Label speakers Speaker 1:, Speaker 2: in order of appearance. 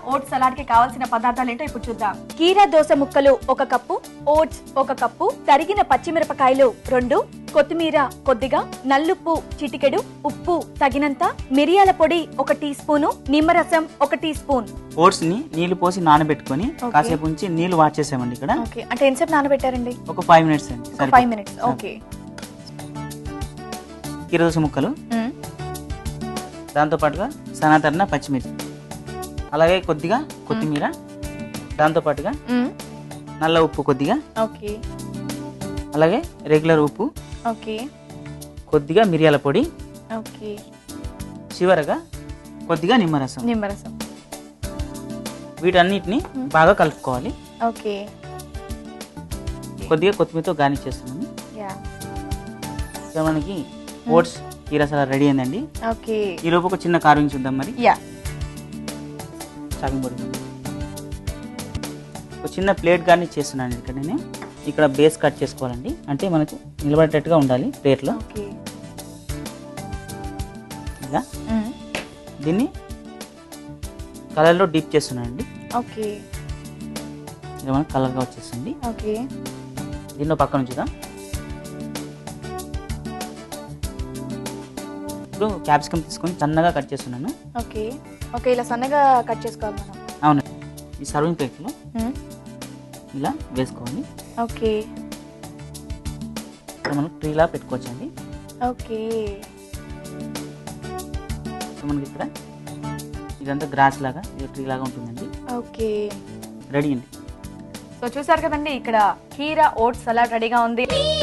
Speaker 1: Oats salad కి కావాల్సిన పదార్థాలు ఏంటో ఇప్పుడు చూద్దాం. కీరా దోస ముక్కలు 1 కప్పు, ఓట్స్ 1 కప్పు, తరిగిన పచ్చిమిరపకాయలు 2, కొత్తిమీర కొద్దిగా, నల్లుప్పు చిటికెడు, ఉప్పు తగినంత, మిరియాల పొడి 1 టీ స్పూను, నిమ్మరసం 1 టీ స్పూన్.
Speaker 2: ఓట్స్ ని నీళ్లు పోసి నానబెట్టుకొని కాసేపు ఉంచి నీళ్లు వాచేసామండి ఇక్కడ.
Speaker 1: ఓకే, అంటే ఎంతసేపు నానబెట్టారండి?
Speaker 2: ఒక 5 మినిట్స్ అండి.
Speaker 1: 5 మినిట్స్. ఓకే.
Speaker 2: కీరా దోస ముక్కలు, దాంతో పాటుగా సన్నతరిన పచ్చిమిర్చి, అలాగే కొద్దిగా కొత్తిమీర, దాంతో పాటుగా నల్ల ఉప్పు కొద్దిగా,
Speaker 1: ఓకే,
Speaker 2: అలాగే రెగ్యులర్ ఉప్పు,
Speaker 1: ఓకే,
Speaker 2: కొద్దిగా మిరియాల పొడి,
Speaker 1: ఓకే,
Speaker 2: చివరగా కొద్దిగా నిమ్మరసం.
Speaker 1: నిమ్మరసం.
Speaker 2: వీటన్నిటిని బాగా కలుపుకోవాలి.
Speaker 1: ఓకే.
Speaker 2: కొద్దిగా కొత్తిమీరతో గార్నిష్ చేస్తున్నాను. మనకి ఓట్స్ కీరా సలాడ్ రెడీ అయిందండి.
Speaker 1: ఓకే.
Speaker 2: ఈ లోపు ఒక చిన్న కార్వింగ్ చూద్దాం మరి. చాపింగ్ బోర్డు ఒక చిన్న ప్లేట్ గార్నిష్ చేస్తున్నాను ఇక్కడ. నేను ఇక్కడ బేస్ కట్ చేసుకోవాలండి, అంటే మనకు నిలబడేటట్టుగా ఉండాలి ప్లేట్లో. ఇలా దీన్ని కలర్లో డిప్ చేస్తున్నానండి.
Speaker 1: ఓకే.
Speaker 2: ఇలా మనకు కలర్గా వచ్చేస్తుంది.
Speaker 1: ఓకే.
Speaker 2: దీనిలో పక్కన ఉంచుదాం. ఇప్పుడు క్యాప్సికమ్ తీసుకొని సన్నగా కట్ చేస్తున్నాను.
Speaker 1: ఓకే. ఓకే, ఇలా సన్నగా కట్ చేసుకోవాలి మనం.
Speaker 2: అవును. ఈ సర్వింగ్ ప్లేట్లో ఇలా వేసుకోవాలి.
Speaker 1: ఓకే.
Speaker 2: ఇక్కడ మనం ట్రీలా పెట్టుకోవచ్చండి.
Speaker 1: ఓకే.
Speaker 2: మనకి ఇక్కడ ఇదంతా గ్రాస్ లాగా, ఇది ట్రీ లాగా ఉంటుందండి.
Speaker 1: ఓకే.
Speaker 2: రెడీ అండి.
Speaker 1: సో చూసారు కదండి, ఇక్కడ కీరా ఓట్స్ సలాడ్ రెడీగా ఉంది.